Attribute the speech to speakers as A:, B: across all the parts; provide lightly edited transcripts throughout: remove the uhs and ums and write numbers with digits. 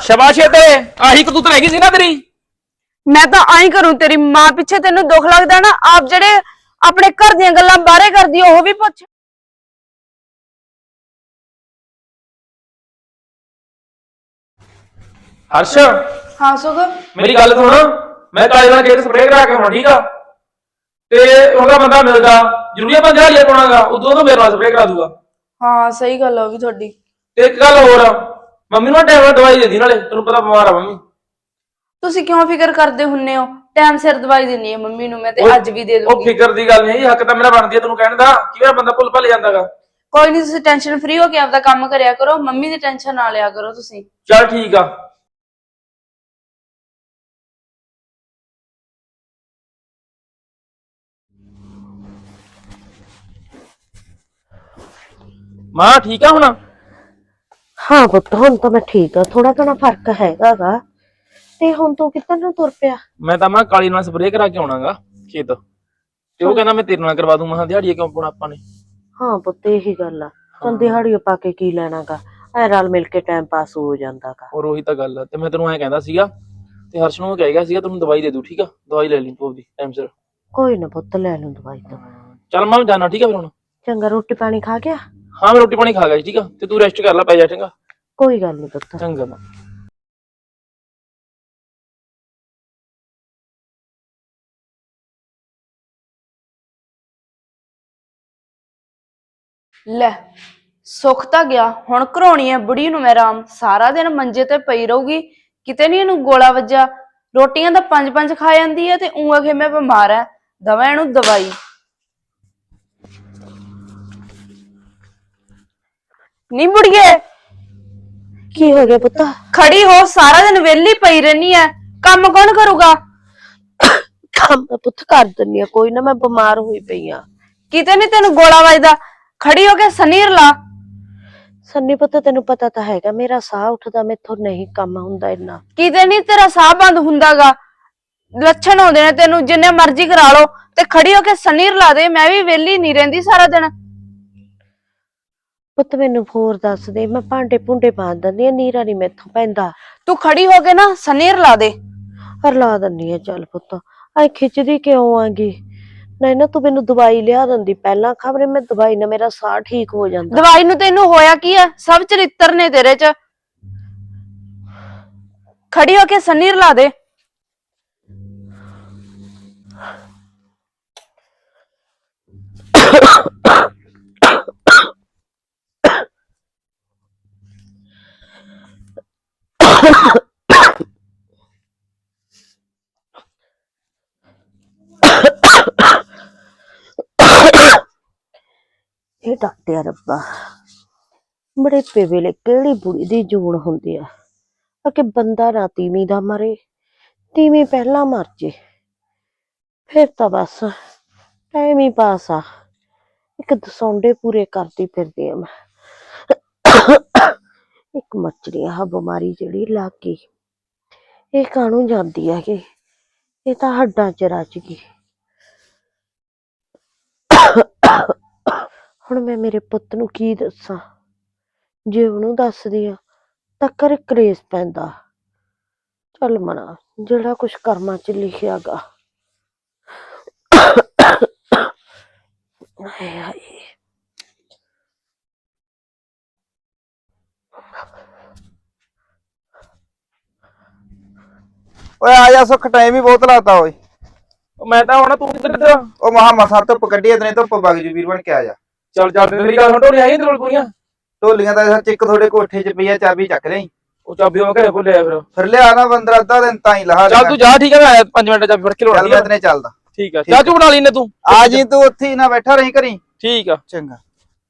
A: शाबाश है तेरे आही कतूत रह गई सी ना तेरी।
B: मैं तो आई करूं तेरी मां पिछे तेन दुख लगता ना आप जेडे अपने घर दी गल्लां बाहरे कर दी ओह भी पुछ।
A: हर्ष
B: हाँ सुख
A: मेरी गल सुन, मैं काले नाल खेत स्प्रे करा के आउणा ठीक आ ते ओहदा बंदा मिलदा जरूरी आ 5000 पाउणागा उदों तो मेरे नाल स्प्रे करा दूगा।
B: हाँ सही गल होगी थोड़ी।
A: ते एक गल होर मम्मी नूं टाइम नाल दवाई देंदी नाले तैनूं पता बीमार आ मम्मी।
B: तुसी क्यों फिकर करदे हुन्ने हो टाइम सिर दवाई देनी है मम्मी नूं मैं ते अज भी दे
A: ओ
B: दूंगी।
A: फिकर दी गल नहीं हक तां मेरा बनदी तैनूं कहण दा किवें बंदा भुल भल जांदागा।
B: कोई नहीं तुसी टेंशन फ्री होके आपदा काम करया करो मम्मी दी टेंशन ना लिया करो तुसी।
A: चल ठीक आ। मां ठीक आ हुण?
C: हाँ पुत्त हुण तो मैं ठीक हाँ थोड़ा घणा फर्क हैगा गा ते हुण तू किधर नूं तुर पिया?
A: मैं तां मां काली नाल स्प्रे करा के आउणागा खेत ते ओह कहंदा मैं तेरे नाल करवा दूं। मैं दिहाड़िया क्यों पाउणा आपां ने।
C: हाँ पुत्त यही गल आ चल दिहाड़ियों पा के की लेना गा ऐ रल मिल के टाइम पास हो जांदा गा।
A: और ਉਹੀ ਤਾਂ ਗੱਲ ਆ ਤੇ ਮੈਂ ਤੈਨੂੰ ਐਂ ਕਹਿੰਦਾ ਸੀਗਾ ਤੇ ਹਰਸ਼ ਨੂੰ ਕਹਿ ਗਿਆ ਸੀਗਾ ਤੈਨੂੰ ਦਵਾਈ ਦੇ ਦੂ ਠੀਕ ਆ ਦਵਾਈ ਲੈ ਲਈ ਤੂੰ ਆਪਦੀ ਟਾਈਮ ਸਿਰ।
C: कोई ना पुत्त ले लूं दवाई तो।
A: ਚੱਲ ਮੈਂ ਜਾਣਾ ਠੀਕ ਆ ਫਿਰ ਹੁਣ।
C: चंगा रोटी पानी खा गया?
A: ਹਾਂ ਮੈਂ ਰੋਟੀ ਪਾਣੀ ਖਾ ਗਿਆ ਠੀਕ ਆ ਤੇ ਤੂੰ ਰੈਸਟ ਕਰ ਲੈ ਪੈ ਜਾ ਚੰਗਾ।
C: कोई गल नहीं पुत्त।
A: ਚੰਗਾ ਮਾਂ।
B: ਲੈ ਸੁੱਖ ਤਾਂ ਗਿਆ ਹੁਣ ਘਰੋਣੀ ਹੈ ਬੁੜੀ ਨੂੰ ਮੈਂ ਆਰਾਮ ਸਾਰਾ ਦਿਨ ਮੰਜੇ ਤੇ ਪਈ ਰਹੂਗੀ ਕਿਤੇ ਨਹੀਂ ਇਹਨੂੰ ਗੋਲਾ ਵੱਜਾ। ਰੋਟੀਆਂ ਤਾਂ 5-5 ਖਾ ਜਾਂਦੀ ਹੈ ਤੇ ਊਂ ਆਖੇ ਮੈਂ ਬਿਮਾਰ ਐ ਦਵਾ ਇਹਨੂੰ ਦਵਾਈ। ਨੀ ਬੁੜੀਏ
C: की हो गया पुत्त?
B: खड़ी हो सारा दिन वेली पई रहनी है काम कौन करूगा?
C: काम मैं पुत्त कर दिन्नी आ कोई ना मैं बीमार हुई पई आ।
B: किते नहीं तेन गोला वजदा खड़ी होके सनीर ला।
C: सन्नी पुत्त तेनू पता तो हैगा मेरा साह उठदा मेथों नहीं काम हुंदा इन्ना।
B: किते नहीं तेरा साह बंद हुंदागा लक्षण होंदे ने तेनू जिन्ने मर्जी करा लो ते खड़ी होके सनीर ला दे मैं भी वेली नहीं रहिंदी सारा दिन।
C: पुत्त मैनू होर दस दे मैं भांडे भूंडे मांज दिंदी आ नीरा नहीं मैथों पैंदा।
B: तू खड़ी होके ना सनीर ला दे।
C: हरला दिन्नी आ चल पुत्त आई खिचदी क्यों आगी नहीं ना तू मैनू दवाई लिया दिंदी पहला खबरे मैं दवाई ना मेरा साह ठीक हो जांदा।
B: दवाई नू तेनू होया की है सब चरित्र ने तेरे च। खड़ी होके सनीर ला दे।
C: ਇਹ ਡਾਟਿਆ ਰੱਬਾ ਬੜੇਪੇ ਵੇਲੇ ਕਿਹੜੀ ਬੁੜੀ ਦੀ ਜੂਨ ਹੁੰਦੀ ਆ ਕਿ ਬੰਦਾ ਨਾ ਤੀਵੀਂ ਦਾ ਮਰੇ ਤੀਵੀਂ ਪਹਿਲਾਂ ਮਰ ਜੇ ਫਿਰ ਤਾਂ ਬਸ ਟਾਈਮ ਹੀ ਪਾਸ ਆ। ਇੱਕ ਦਸੌਂਡੇ ਪੂਰੇ ਕਰਦੀ ਫਿਰਦੀ ਆ ਮੈਂ। ਇੱਕ ਮੱਛਰੀ ਆ ਬਿਮਾਰੀ ਜਿਹੜੀ ਲੱਗ ਗਈ ਇਹ ਕਾਹਨੂੰ ਜਾਂਦੀ ਆ ਕਿ ਇਹ ਤਾਂ ਹੱਡਾਂ ਚ ਰਚ ਗਈ। ਹੁਣ ਮੈਂ ਮੇਰੇ ਪੁੱਤ ਨੂੰ ਕੀ ਦੱਸਾਂ ਜੇ ਉਹਨੂੰ ਦੱਸਦੀ ਆ ਤਾਂ ਘਰੇ ਕਲੇਸ਼ ਪੈਂਦਾ। ਚੱਲ ਮਨਾ ਜਿਹੜਾ ਕੁਛ ਕਰਮਾਂ ਚ ਲਿਖਿਆ ਗਾ। ਹਾਏ ਹਾਏ
D: ਓਏ ਆ ਜਾ ਸੁੱਖ ਟਾਈਮ ਹੀ ਬਹੁਤ ਲਾਤਾ ਓਏ।
A: ਮੈਂ ਤਾਂ ਹੁਣ ਤੂੰ ਕਿੱਧਰ
D: ਉਹ ਮਸਾ ਧੁੱਪ ਕੱਢੀ ਇਤਨੇ ਧੁੱਪ ਵਗ ਜੂ ਵੀਰ ਬਣ ਕੇ ਆ ਜਾ।
A: ਚੱਲ ਚੱਲ ਤੇਰੀ ਗੱਲ ਢੋਲੀ ਆਈ ਤੇਰੇ ਕੋਲ ਪੂਰੀਆਂ?
D: ਢੋਲੀਆਂ ਤਾਂ ਸੱਚ ਇੱਕ ਤੁਹਾਡੇ ਕੋਠੇ 'ਚ ਪਈ ਆ ਚਾਬੀ ਚੱਕ ਲਈ
A: ਉਹ ਚਾਬੀ ਉਹ ਘਰੇ ਭੁੱਲਿਆ
D: ਫਿਰ ਲਿਆ ਨਾ ਬੰਦਰ ਅੱਧਾ ਦਿਨ ਤਾਂ ਹੀ ਲਾ।
A: ਚੱਲ ਤੂੰ ਜਾ ਠੀਕ ਆ ਮੈਂ 5 ਮਿੰਟ ਚਾਬੀ ਫੜ ਕੇ
D: ਚੱਲ
A: ਲਾਉਣੀ
D: ਮੈਂ
A: ਆ।
D: ਇਤਨੇ ਚੱਲਦਾ
A: ਠੀਕ ਆ ਚਾਚੂ ਬਣਾ ਲਈ ਨੇ ਤੂੰ
D: ਆ ਜੀ ਤੂੰ ਉੱਥੇ ਹੀ ਨਾ ਬੈਠਾ ਰਹੀਂ ਕਰੀ।
A: ਠੀਕ ਆ
D: ਚੰਗਾ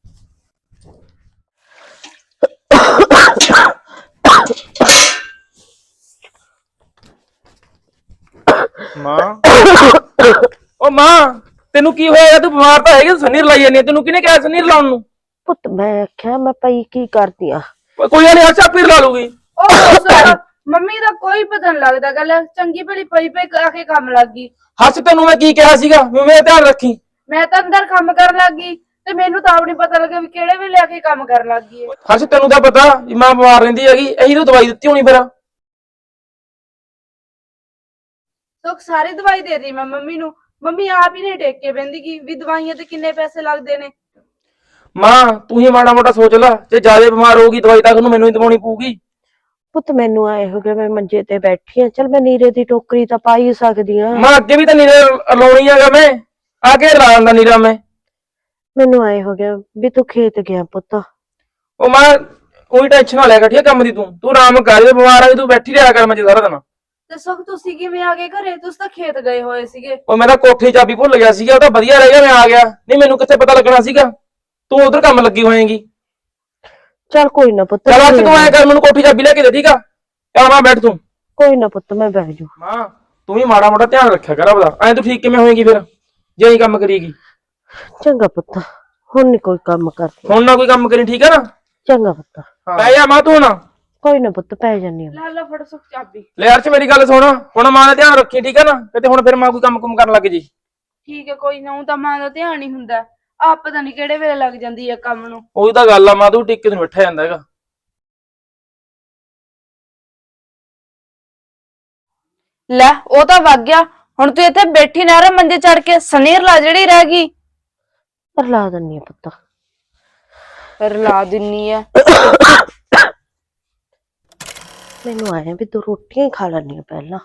A: ਮਾਂ ਉਹ ਮਾਂ ਤੈਨੂੰ ਕੀ ਹੋਇਆ ਤੂੰ ਬਿਮਾਰ ਤਾਂ ਹੈਗੀ ਸਨੀਰ ਲਾਈ ਜਾਂਦੀ ਤੈਨੂੰ ਕਿਹਨੇ ਕਿਹਾ ਸਨੀਰ ਲਾਉਣ ਨੂੰ?
C: ਪੁੱਤ ਮੈਂ ਆਖਿਆ ਮੈਂ ਪਈ ਕੀ ਕਰਦੀ ਆ।
A: ਕੋਈ ਗੱਲ ਨੀ ਹਰਸ਼ ਆਪੇ ਲਾ ਲੂਗੀ।
B: ਮੰਮੀ ਦਾ ਕੋਈ ਪਤਾ ਨਹੀਂ ਲੱਗਦਾ ਗੱਲ ਚੰਗੀ ਭਲੀ ਪਈ ਪਈ ਆ ਕੇ ਕੰਮ ਲੱਗ ਗਈ।
A: ਹਰਸ਼ ਤੈਨੂੰ ਮੈਂ ਕੀ ਕਿਹਾ ਸੀਗਾ ਵੀ ਮੇਰਾ ਧਿਆਨ ਰੱਖੀ।
B: ਮੈਂ ਤਾਂ ਅੰਦਰ ਕੰਮ ਕਰਨ ਲੱਗ ਗਈ ਤੇ ਮੈਨੂੰ ਤਾਂ ਆਪ ਨਹੀਂ ਪਤਾ ਲੱਗਿਆ ਵੀ ਕਿਹੜੇ ਵੇਲੇ ਆ ਕੇ ਕੰਮ ਕਰਨ ਲੱਗ ਗਈ।
A: ਹਰਸ਼ ਤੈਨੂੰ ਤਾਂ ਪਤਾ ਵੀ ਮਾਂ ਬਿਮਾਰ ਰਹਿੰਦੀ ਹੈਗੀ ਇਹੀ ਤਾਂ ਦਵਾਈ ਦਿੱਤੀ ਹੋਣੀ ਫਿਰ।
B: ਸੁੱਖ ਸਾਰੀ ਦਵਾਈ ਦੇ ਦੀ ਮੈਂ ਮੰਮੀ ਨੂੰ। ਮੰਮੀ ਆਪ ਹੀ ਨਹੀਂ ਟੇਕ ਕੇ ਬਹਿੰਦੀ ਗੀ ਵੀ ਦਵਾਈਆਂ ਤੇ ਕਿੰਨੇ ਪੈਸੇ ਲੱਗਦੇ ਨੇ।
A: ਮਾਂ ਤੂੰ ਹੀ ਮਾੜਾ ਮੋਟਾ ਸੋਚ ਲੈ, ਜੇ ਜ਼ਿਆਦਾ ਬਿਮਾਰ ਹੋਊਗੀ ਦਵਾਈ ਤਾਂ ਉਹਨੂੰ ਮੈਨੂੰ ਹੀ ਦਵਾਉਣੀ ਪਊਗੀ।
C: ਪੁੱਤ ਮੈਨੂੰ ਆਏ ਹੋ ਗਿਆ ਮੈਂ ਮੰਜੇ ਤੇ ਬੈਠੀ ਆ, ਚਲ ਮੈਂ ਨੀਰੇ ਦੀ ਟੋਕਰੀ ਤਾਂ ਪਾ ਹੀ ਸਕਦੀ ਆ।
A: ਮਾਂ ਅੱਗੇ ਵੀ ਤਾਂ ਨੀਰਾ ਲਾਉਣੀ ਹੈਗਾ, ਮੈਂ ਆ ਕੇ ਲਾ ਦਿੰਦਾ ਨੀਰਾ ਮੈਂ।
C: ਮੈਨੂੰ ਆਏ ਹੋ ਗਿਆ ਵੀ ਤੂੰ ਖੇਤ ਗਿਆ ਪੁੱਤ।
A: ਉਹ ਮਾਂ ਕੋਈ ਟੈਨਸ਼ਨ ਨਾ ਲਿਆ ਕਰ, ਠੀਕ ਹੈ ਕੰਮ ਦੀ। ਤੂੰ ਆਰਾਮ ਕਰ, ਜੇ ਬਿਮਾਰ ਆ ਤੂੰ ਬੈਠੀ ਰਿਹਾ ਕਰ ਮੰਜੇ ਸਾਰਾ ਦਿਨ।
B: ਤੇ ਸੁੱਖ ਤੁਸੀਂ ਕਿਵੇਂ ਆ ਗਏ ਘਰੇ? ਤੁਸੀਂ ਤਾਂ ਖੇਤ ਗਏ ਹੋਏ ਸੀਗੇ।
A: ਉਹ ਮੈਂ ਤਾਂ ਕੋਠੇ ਦੀ ਚਾਬੀ ਭੁੱਲ ਗਿਆ ਸੀਗਾ, ਉਹ ਤਾਂ ਵਧੀਆ ਰਹਿ ਗਿਆ ਮੈਂ ਆ ਗਿਆ, ਨਹੀਂ ਮੈਨੂੰ ਕਿੱਥੇ ਪਤਾ ਲੱਗਣਾ ਸੀਗਾ। ਤੂੰ ਉਧਰ ਕੰਮ ਲੱਗੀ ਹੋਏਗੀ।
C: ਚਲ ਕੋਈ ਨਾ ਪੁੱਤ,
A: ਚਲ ਅੱਜ ਤੂੰ ਐ ਕਰ, ਮੈਨੂੰ ਕੋਠੀ ਚਾਬੀ ਲੈ ਕੇ ਦੇ, ਠੀਕ ਆ? ਚੱਲ ਮਾਂ ਬੈਠ ਤੂੰ।
C: ਕੋਈ ਨਾ ਪੁੱਤ ਮੈਂ ਬਹਿ ਜੂ।
A: ਮਾਂ ਤੂੰ ਵੀ ਮਾੜਾ ਮੋਟਾ ਧਿਆਨ ਰੱਖਿਆ ਕਰ ਆਪਦਾ, ਐਂ ਤੂੰ ਠੀਕ ਕਿਵੇਂ ਹੋਏਗੀ ਫਿਰ ਜੇ ਅਸੀਂ ਕੰਮ ਕਰੀਗੀ?
C: ਚੰਗਾ ਪੁੱਤ, ਹੁਣ ਨੀ ਕੋਈ ਕੰਮ ਕਰਦੀ।
A: ਹੁਣ ਨਾ ਕੋਈ ਕੰਮ ਕਰੀ, ਠੀਕ ਆ ਨਾ?
C: ਚੰਗਾ ਪੁੱਤ।
A: ਪੈ ਜਾ ਮਾਂ ਤੂੰ ਹੁਣ।
C: ਕੋਈ ਨਾ ਪੁੱਤ ਪੈ ਜਾਨੀ ਆ।
B: ਲੈ ਫੜ ਸੁੱਖ ਚਾਬੀ।
A: ਲੈ ਅਰਸ਼ ਮੇਰੀ ਗੱਲ ਸੁਣ, ਹੁਣ ਮਾਂ ਦਾ ਧਿਆਨ ਰੱਖੀ, ਠੀਕ ਆ ਨਾ? ਕਿਤੇ ਹੁਣ ਫਿਰ ਮਾਂ ਕੋਈ ਕੰਮ ਕੁਮ ਕਰਨ ਲੱਗ ਜੀ।
B: ਠੀਕ ਹੈ, ਕੋਈ ਨਾ। ਉਹ ਤਾਂ ਮਾਂ ਦਾ ਧਿਆਨ ਹੀ ਹੁੰਦਾ, ਆਪ ਪਤਾ ਨਹੀਂ ਕਿਹੜੇ ਵੇਲੇ ਲੱਗ ਜਾਂਦੀ ਹੈ ਕੰਮ ਨੂੰ।
A: ਉਹੀ ਤਾਂ ਗੱਲ ਆ ਮਾਂ, ਤੂੰ ਟਿੱਕੇ ਨੂੰ ਬੈਠਾ ਜਾਂਦਾ ਹੈਗਾ।
B: ਲੈ ਉਹ ਤਾਂ ਵਗ ਗਿਆ, ਹੁਣ ਤੂੰ ਇੱਥੇ ਬੈਠੀ ਨਾ ਰਹਿ ਮੰਜੇ ਚੜ ਕੇ, ਸਨੀਰ ਲਾ ਜਿਹੜੀ ਰਹਿ ਗਈ।
C: ਪਰ ਲਾ ਦਿੰਨੀ ਆ ਪੁੱਤ।
B: ਰਲਾ ਦਿੰਨੀ ਆ।
C: ਮੈਨੂੰ ਆਇਆ ਵੀ ਤੂੰ ਰੋਟੀਆਂ ਹੀ ਖਾ ਲੈਣੀ ਆ ਪਹਿਲਾਂ।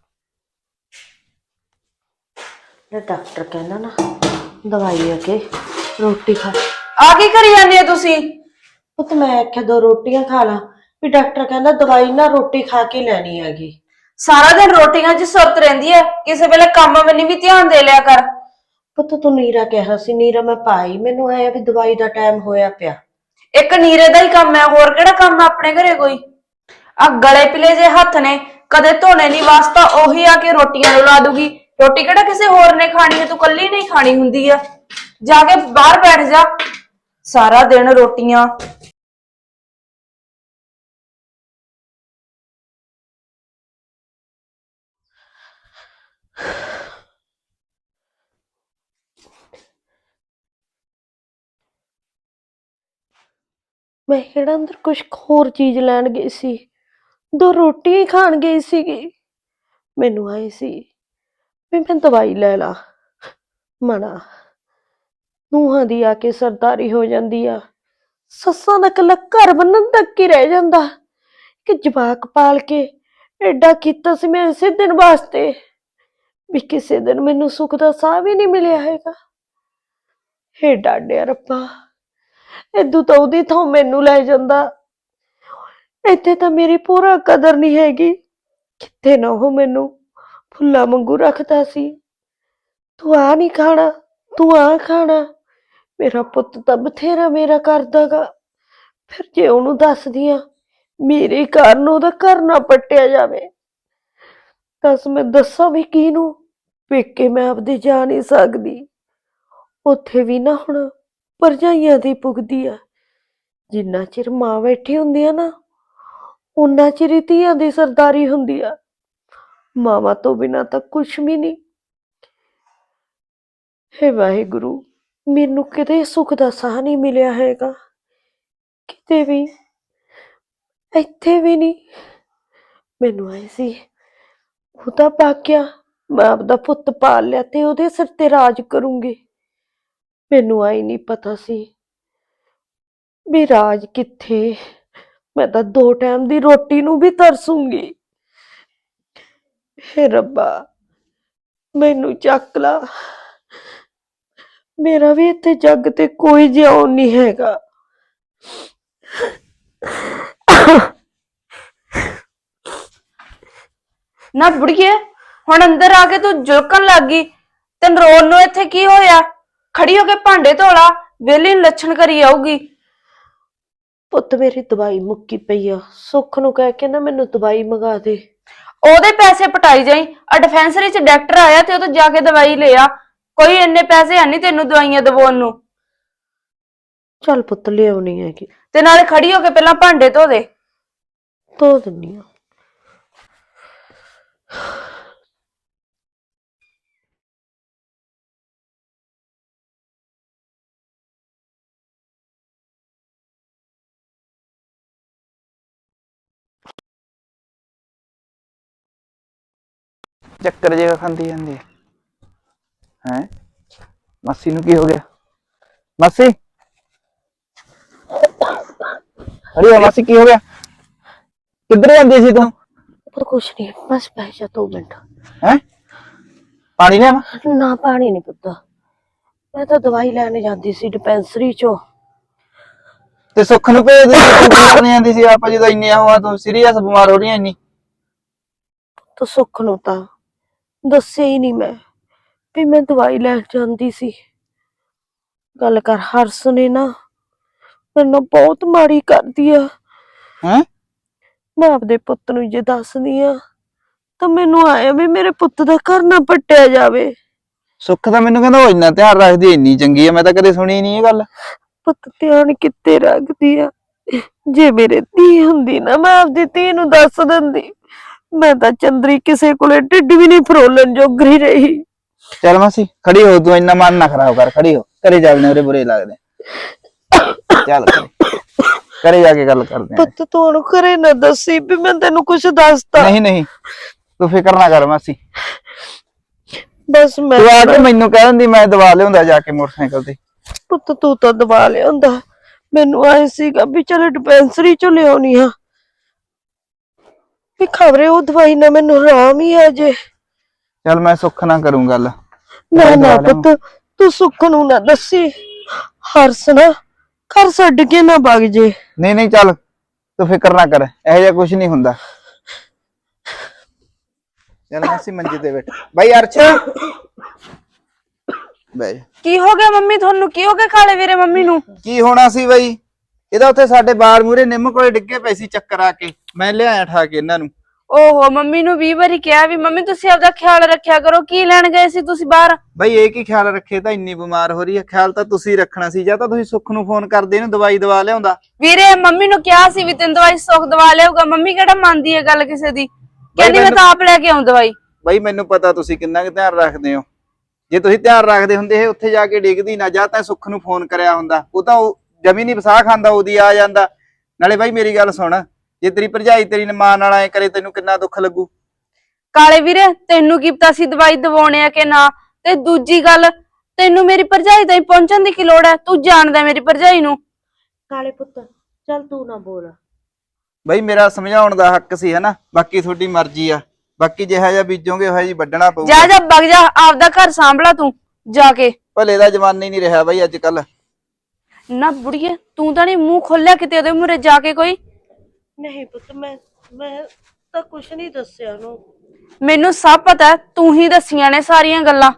C: ਲੈ ਡਾਕਟਰ ਕਹਿੰਦਾ ਨਾ ਦਵਾਈ ਆ ਕੇ ਰੋਟੀ ਖਾ।
B: ਆ ਕੀ ਕਰੀ ਜਾਂਦੇ ਆ ਤੁਸੀਂ?
C: ਪੁੱਤ ਮੈਂ ਆਖਿਆ 2 ਰੋਟੀਆਂ ਖਾ ਲਾ, ਵੀ ਡਾਕਟਰ ਕਹਿੰਦਾ ਦਵਾਈ ਨਾ ਰੋਟੀ ਖਾ ਕੇ ਲੈਣੀ ਹੈਗੀ।
B: ਸਾਰਾ ਦਿਨ ਰੋਟੀਆਂ 'ਚ ਸੁਰਤ ਰਹਿੰਦੀ ਹੈ, ਕਿਸੇ ਵੇਲੇ ਕੰਮ ਵੱਲ ਵੀ ਧਿਆਨ ਦੇ ਲਿਆ ਕਰ।
C: ਪੁੱਤ ਤੂੰ ਨੀਰਾ ਕਿਹਾ ਸੀ, ਨੀਰਾ ਮੈਂ ਪਾਈ। ਮੈਨੂੰ ਆਇਆ ਵੀ ਦਵਾਈ ਦਾ ਟਾਈਮ ਹੋਇਆ ਪਿਆ।
B: ਇੱਕ ਨੀਰੇ ਦਾ ਹੀ ਕੰਮ ਹੈ, ਹੋਰ ਕਿਹੜਾ ਕੰਮ ਹੈ ਆਪਣੇ ਘਰੇ ਕੋਈ? ਆ ਗਲੇ ਪਿਲੇ ਜੇ ਹੱਥ ਨੇ, ਕਦੇ ਧੋਣੇ ਨਹੀਂ ਵਾਸਤਾ ਉਹੀ ਆ ਕੇ ਰੋਟੀਆਂ ਨੂੰ ਲਾ ਦੂਗੀ। ਰੋਟੀ ਕਿਹੜਾ ਕਿਸੇ ਹੋਰ ਨੇ ਖਾਣੀ ਹੈ, ਤੂੰ ਕੱਲੀ ਨਹੀਂ ਖਾਣੀ ਹੁੰਦੀ ਆ। ਜਾ ਕੇ ਬਾਹਰ ਬੈਠ ਜਾ, ਸਾਰਾ ਦਿਨ ਰੋਟੀਆਂ।
C: ਮੈਂ ਕਿਹੜਾ ਅੰਦਰ ਕੁਛ ਹੋਰ ਚੀਜ਼ ਲੈਣ ਗਈ ਸੀ, 2 ਰੋਟੀਆਂ ਹੀ ਖਾਣ ਗਈ ਸੀਗੀ। ਮੈਨੂੰ ਆਈ ਸੀ ਵੀ ਮੈਂ ਦਵਾਈ ਲੈ ਲਾ। ਮਨਾ ਨੂੰਹਾਂ ਦੀ ਆ ਕੇ ਸਰਦਾਰੀ ਹੋ ਜਾਂਦੀ ਆ, ਸੱਸਾਂ ਦਾ ਇਕੱਲਾ ਘਰ ਬੰਨਣ ਤੱਕ ਹੀ ਰਹਿ ਜਾਂਦਾ ਕਿ ਜਵਾਕ ਪਾਲ ਕੇ ਐਡਾ ਕੀਤਾ ਸੀ ਮੈਂ ਇਸੇ ਦਿਨ ਵਾਸਤੇ, ਵੀ ਕਿਸੇ ਦਿਨ ਮੈਨੂੰ ਸੁੱਖ ਦਾ ਸਾਹ ਵੀ ਨਹੀਂ ਮਿਲਿਆ ਹੈਗਾ। ਹੇ ਡਾਡਿਆ ਰੱਬਾ, ਏਦੂ ਤਾਂ ਉਹਦੀ ਥਾਂ ਮੈਨੂੰ ਲੈ ਜਾਂਦਾ। ਇੱਥੇ ਤਾਂ ਮੇਰੀ ਪੂਰਾ ਕਦਰ ਨਹੀਂ ਹੈਗੀ, ਕਿਤੇ ਨਾ ਉਹ ਮੈਨੂੰ ਫੁੱਲਾਂ ਵਾਂਗੂ ਰੱਖਦਾ ਸੀ। ਤੂੰ ਆ ਨਹੀਂ ਖਾਣਾ, ਤੂੰ ਆ ਖਾਣਾ। ਮੇਰਾ ਪੁੱਤ ਤਾਂ ਬਥੇਰਾ ਮੇਰਾ ਕਰਦਾਗਾ, ਫਿਰ ਜੇ ਉਹਨੂੰ ਦੱਸਦੀ ਆ ਮੇਰੇ ਕਾਰਨ ਉਹਦਾ ਘਰ ਨਾ ਪੱਟਿਆ ਜਾਵੇ, ਦੱਸ ਮੈਂ ਦੱਸਾਂ ਵੀ ਕਿਹਨੂੰ? ਪੇਕੇ ਮੈਂ ਆਪਦੇ ਜਾ ਨਹੀਂ ਸਕਦੀ, ਉੱਥੇ ਵੀ ਨਾ ਹੁਣ ਭਰਜਾਈਆਂ ਦੀ ਪੁੱਗਦੀ ਆ। ਜਿੰਨਾ ਚਿਰ ਮਾਂ ਬੈਠੀ ਹੁੰਦੀ ਆ ਨਾ, ਉਨਾ ਚਿਰ ਹੀ ਧੀਆਂ ਦੀ ਸਰਦਾਰੀ ਹੁੰਦੀ ਆ। ਮਾਵਾਂ ਤੋਂ ਬਿਨਾਂ ਤਾਂ ਕੁਛ ਵੀ ਨਹੀਂ। ਹੇ ਵਾਹਿਗੁਰੂ, ਮੈਨੂੰ ਕਿਤੇ ਸੁੱਖ ਦਾ ਸਾਹ ਨਹੀਂ ਮਿਲਿਆ ਹੈਗਾ, ਕਿਤੇ ਵੀ, ਇੱਥੇ ਵੀ ਨਹੀਂ। ਮੈਨੂੰ ਆਏ ਸੀ ਉਹਦਾ ਬਾਕਿਆ, ਮੈਂ ਆਪਦਾ ਪੁੱਤ ਪਾਲ ਲਿਆ ਤੇ ਉਹਦੇ ਸਿਰ ਤੇ ਰਾਜ ਕਰੂੰਗੀ। ਮੈਨੂੰ ਆਈ ਨਹੀਂ ਪਤਾ ਸੀ ਵੀ ਰਾਜ ਕਿੱਥੇ, ਮੈਂ ਤਾਂ 2 ਟਾਈਮ ਦੀ ਰੋਟੀ ਨੂੰ ਵੀ ਤਰਸੂੰਗੀ। ਹੇ ਰੱਬਾ ਮੈਨੂੰ ਚੱਕ ਲਾ, ਮੇਰਾ ਵੀ ਇੱਥੇ ਜੱਗ ਤੇ ਕੋਈ ਜਿਉਣ ਨਹੀਂ ਹੈਗਾ।
B: ਨਾ ਬੁੜੀਏ, ਹੁਣ ਅੰਦਰ ਆ ਕੇ ਤੂੰ ਜੁਲਕਣ ਲੱਗ ਗਈ। ਤੈਨੂੰ ਰੋਣ ਨੂੰ ਇੱਥੇ ਕੀ ਹੋਇਆ? ਖੜੀ ਹੋ ਕੇ ਭਾਂਡੇ ਧੋਲਾ, ਵਿਹਲੀ ਨੂੰ ਲੱਛਣ ਕਰੀ ਆਊਗੀ।
C: ਪੁੱਤ ਮੇਰੀ ਦਵਾਈ ਮੁੱਕੀ ਪਈ ਆ, ਸੁੱਖ ਨੂੰ ਕਹਿ ਕੇ ਨਾ ਮੈਨੂੰ ਦਵਾਈ ਮੰਗਾ ਦੇ।
B: ਉਹਦੇ ਪੈਸੇ ਪਟਾਈ ਜਾਈ, ਆ ਡਿਫੈਂਸਰੀ 'ਚ ਡਾਕਟਰ ਆਇਆ ਤੇ ਉਹ ਤੋਂ ਜਾ ਕੇ ਦਵਾਈ ਲੈ ਆ। ਕੋਈ ਇੰਨੇ ਪੈਸੇ ਹੈ ਨਹੀਂ ਤੈਨੂੰ ਦਵਾਈਆਂ ਦਵਾਉਣ ਨੂੰ।
C: ਚੱਲ ਪੁੱਤ ਲਿਆਉਣੀ ਹੈਗੀ।
B: ਤੇ ਨਾਲੇ ਖੜੀ ਹੋ ਕੇ ਪਹਿਲਾਂ ਭਾਂਡੇ ਧੋ ਦੇ।
C: ਧੋ ਦਿੰਨੀ ਆ।
D: ਚੱਕਰ ਜਿਹਾ ਖਾਂਦੀ ਜਾਂਦੀ ਹੈ। ਮਾਸੀ ਨੂੰ ਕੀ ਹੋ ਗਿਆ? ਮਾਸੀ ਅਰੇ ਮਾਸੀ ਕੀ ਹੋ ਗਿਆ? ਕਿੱਧਰ ਜਾਂਦੀ ਸੀ ਤੂੰ?
C: ਪਰ ਕੁਛ ਨਹੀਂ, ਬਸ ਬਹਿ ਜਾ 2 ਮਿੰਟ।
D: ਹੈ ਪਾਣੀ ਲਿਆ?
C: ਨਾ ਪਾਣੀ ਨਹੀਂ ਪੁੱਤ, ਮੈਂ ਤਾਂ ਦਵਾਈ ਲੈਣ ਜਾਂਦੀ ਸੀ ਡਿਸਪੈਂਸਰੀ ਚੋਂ।
D: ਤੇ ਸੁੱਖ ਨੂੰ ਭੇਜ ਦੇ, ਤੂੰ ਕੀ ਕਰਨ ਜਾਂਦੀ ਸੀ? ਆਪਾਂ ਜਦੋਂ ਇੰਨੇ ਹੋਆ ਤੂੰ ਸੀਰੀਅਸ ਬਿਮਾਰ ਹੋ ਰਹੀ ਐ ਇੰਨੀ।
C: ਤਾਂ ਸੁੱਖ ਨੂੰ ਤਾਂ ਦੱਸਿਆ ਹੀ ਨਹੀਂ ਮੈਂ ਵੀ ਮੈਂ ਦਵਾਈ ਲੈਣ ਜਾਂਦੀ ਸੀ। ਗੱਲ ਕਰ, ਹਰਸ ਨੇ ਨਾ ਮੈਨੂੰ ਬਹੁਤ ਮਾੜੀ ਕਰਦੀ ਆ।
D: ਹੈ
C: ਮੈਂ ਆਪਦੇ ਪੁੱਤ ਨੂੰ ਜੇ ਦੱਸਦੀ ਆ ਤਾਂ ਮੈਨੂੰ ਆਇਆ ਵੀ ਮੇਰੇ ਪੁੱਤ ਦਾ ਘਰ ਨਾ ਪੱਟਿਆ ਜਾਵੇ।
D: ਸੁੱਖ ਤਾਂ ਮੈਨੂੰ ਕਹਿੰਦਾ ਉਹ ਇੰਨਾ ਧਿਆਨ ਰੱਖਦੀ, ਇੰਨੀ ਚੰਗੀ ਆ, ਮੈਂ ਤਾਂ ਕਦੇ ਸੁਣੀ ਨਹੀਂ ਇਹ ਗੱਲ।
C: ਪੁੱਤ ਧਿਆਨ ਕਿੱਥੇ ਰੱਖਦੀ ਆ? ਜੇ ਮੇਰੇ ਧੀ ਹੁੰਦੀ ਨਾ ਮੈਂ ਆਪਦੀ ਧੀ ਨੂੰ ਦੱਸ ਦਿੰਦੀ। ਮੈਂ ਤਾਂ ਚੰਦਰੀ ਕਿਸੇ ਕੋਲੇ ਢਿੱਡ ਵੀ ਨਹੀਂ ਫਰੋਲਣ ਜੋਗਰੀ ਰਹੀ।
D: ਚੱਲ ਮਾਸੀ ਖੜੀ ਹੋ, ਤੂੰ ਇੰਨਾ ਮਨ ਨਾ ਖਰਾਬ ਕਰ, ਖੜੀ ਹੋ। ਘਰੇ ਚੱਲਦੇ, ਉਰੇ ਬੁਰੇ ਲੱਗਦੇ। ਚੱਲ ਘਰੇ ਜਾ ਕੇ ਗੱਲ ਕਰਦੇ ਆ।
C: ਪੁੱਤ ਤੂੰ ਉਹਨੂੰ ਘਰੇ ਨਾ ਦੱਸੀ ਵੀ ਮੈਂ ਤੈਨੂੰ ਕੁਛ ਦੱਸਤਾ।
D: ਨਹੀਂ ਨਹੀਂ ਤੂੰ ਫਿਕਰ ਨਾ ਕਰ ਮਾਸੀ,
C: ਬਸ ਮੈਂ
D: ਤੂੰ ਆ ਕੇ ਮੈਨੂੰ ਕਹਿ ਦਿੰਦੀ, ਮੈਂ ਦਵਾ ਲਿਆਉਂਦਾ ਜਾ ਕੇ ਮੋਟਰਸਾਈਕਲ ਤੇ।
C: ਪੁੱਤ ਤੂੰ ਤਾਂ ਦਵਾ ਲਿਆਉਂਦਾ, ਮੈਨੂੰ ਆਏ ਸੀਗਾ ਵੀ ਚਲ ਡਿਸਪੈਂਸਰੀ ਚੋਂ ਲਿਆਉਣੀ ਆ ਵੀ ਖਬਰੇ ਉਹ ਦਵਾਈ ਨਾਲ ਮੈਨੂੰ ਆਰਾਮ ਹੀ ਆ ਜੇ।
D: ਚੱਲ ਮੈਂ ਸੁੱਖ ਨਾ ਕਰੂੰ ਗੱਲ।
C: ਨਾ ਨਾ ਪੁੱਤ ਤੂੰ ਸੁੱਖ ਨੂੰ ਨਾ ਦੱਸੀ, ਹਰਸ ਨਾ ਘਰ ਛੱਡ ਕੇ ਨਾ ਵਗ ਜੇ।
D: ਨਹੀਂ ਨਹੀਂ ਚੱਲ ਤੂੰ ਫਿਕਰ ਨਾ ਕਰ, ਇਹੋ ਜਿਹਾ ਕੁਝ ਨਹੀਂ ਹੁੰਦਾ। ਚੱਲ ਮਾਸੀ ਮੰਜੇ ਤੇ ਬੈਠ। ਬਾਈ ਅਰਸ਼ ਬੈ ਜਾ।
B: ਕੀ ਹੋ ਗਿਆ ਮੰਮੀ ਤੁਹਾਨੂੰ? ਕੀ ਹੋ ਗਿਆ ਕਾਲੇ ਵੀਰੇ ਮੰਮੀ ਨੂੰ?
D: ਕੀ ਹੋਣਾ ਸੀ ਬਾਈ, ਇਹਦਾ ਉੱਥੇ ਸਾਡੇ ਬਾਰ ਮੂਰੇ ਨਿੰਮ ਕੋਲੇ ਡਿੱਗੇ ਪਏ ਸੀ ਚੱਕਰ ਆ ਕੇ, ਮੈਂ ਲਿਆਇਆ ਠਾ ਕੇ ਇਹਨਾਂ ਨੂੰ।
B: ਓਹੋ ਮੰਮੀ ਨੂੰ 20 ਵਾਰੀ ਕਿਹਾ ਵੀ ਮੰਮੀ ਤੁਸੀਂ ਆਪਦਾ ਖਿਆਲ ਰੱਖਿਆ ਕਰੋ। ਕੀ ਲੈਣ ਗਏ ਸੀ ਤੁਸੀਂ ਬਾਹਰ?
D: ਬਾਈ ਇਹ ਕੀ ਖਿਆਲ ਰੱਖੇ, ਤਾਂ ਇੰਨੀ ਬਿਮਾਰ ਹੋ ਰਹੀ ਹੈ, ਖਿਆਲ ਤਾਂ ਤੁਸੀਂ ਰੱਖਣਾ ਸੀ। ਜਾਂ ਤਾਂ ਤੁਸੀਂ ਸੁੱਖ ਨੂੰ ਫੋਨ ਕਰਦੇ ਇਹਨੂੰ ਦਵਾਈ ਦਵਾ ਲਿਆਉਂਦਾ।
B: ਵੀਰੇ ਮੰਮੀ ਨੂੰ ਕਿਹਾ ਸੀ ਵੀ ਤੈਨੂੰ ਦਵਾਈ ਸੁੱਖ ਦਵਾ ਲਿਆਊਗਾ। ਮੰਮੀ ਕਿਹੜਾ ਮੰਨਦੀ ਹੈ ਗੱਲ ਕਿਸੇ ਦੀ? ਕਹਿੰਦੀ ਮੈਂ ਤਾਂ ਆਪ ਲੈ ਕੇ ਆਉਂ ਦਵਾਈ।
D: ਬਾਈ ਮੈਨੂੰ ਪਤਾ ਤੁਸੀਂ ਕਿੰਨਾ ਕੁ ਧਿਆਨ ਰੱਖਦੇ ਹੋ। ਜੇ ਤੁਸੀਂ ਧਿਆਨ ਰੱਖਦੇ ਹੁੰਦੇ ਇਹ ਉੱਥੇ ਜਾ ਕੇ ਡਿੱਗਦੀ ਨਾ, ਜਾਂ ਤਾਂ ਸੁੱਖ ਨੂੰ ਫੋਨ ਕਰਿਆ ਹੁੰਦਾ। ਉਹ ਤਾਂ ਜਮੀ ਨਹੀਂ ਵਸਾ ਖਾਂਦਾ, ਉਹਦੀ ਆ ਜਾਂਦਾ। ਨਾਲੇ ਬਾਈ ਮੇਰੀ ਗੱਲ ਸੁਣ, ਜੇ ਤੇਰੀ ਭਰਜਾਈ ਤੇਰੀ ਮਾਂ ਨਾਲ ਐ ਕਰੇ ਤੈਨੂੰ ਕਿੰਨਾ ਦੁੱਖ ਲੱਗੂ।
B: ਕਾਲੇ ਵੀਰੇ ਤੈਨੂੰ ਕੀ ਪਤਾ ਸੀ ਦਵਾਈ ਦਵਾਉਣੇ ਆ ਕਿ ਨਾ? ਤੇ ਦੂਜੀ ਗੱਲ, ਤੈਨੂੰ ਮੇਰੀ ਭਰਜਾਈ ਤਾਈਂ ਪਹੁੰਚਣ ਦੀ ਕੀ ਲੋੜ ਹੈ? ਤੂੰ ਜਾਣਦਾ ਮੇਰੀ ਭਰਜਾਈ ਨੂੰ।
C: ਕਾਲੇ ਪੁੱਤ ਚੱਲ ਤੂੰ ਨਾ ਬੋਲ।
D: ਬਾਈ ਮੇਰਾ ਸਮਝਾਉਣ ਦਾ ਹੱਕ ਸੀ ਹਨਾ, ਬਾਕੀ ਤੁਹਾਡੀ ਮਰਜ਼ੀ ਆ। ਬਾਕੀ ਜਿਹਾ ਜਿਹਾ ਬੀਜੋਗੇ ਉਹ ਜੀ ਵੱਢਣਾ ਪਊਗਾ।
B: ਜਾ ਜਾ ਵਗ ਜਾ, ਆਪਦਾ ਘਰ ਸੰਭਲਾ ਤੂੰ ਜਾ ਕੇ।
D: ਭਲੇ ਦਾ ਜ਼ਮਾਨਾ ਹੀ ਨਹੀਂ ਰਿਹਾ ਬਾਈ ਅੱਜ ਕੱਲ।
B: ਨਾ ਬੁੜੀਏ ਤੂੰ ਤਾਂ ਨਹੀਂ ਮੂੰਹ ਖੋਲਿਆ ਕਿਤੇ ਉਹਦੇ ਮੂਹਰੇ ਜਾ ਕੇ ਕੋਈ?
C: ਨਹੀਂ ਪੁੱਤ ਮੈਂ ਤਾਂ ਕੁਛ ਨਹੀਂ ਦੱਸਿਆ ਉਹਨੂੰ।
B: ਮੈਨੂੰ ਸਭ ਪਤਾ, ਤੂੰ ਹੀ ਦੱਸੀਆਂ ਨੇ ਸਾਰੀਆਂ ਗੱਲਾਂ।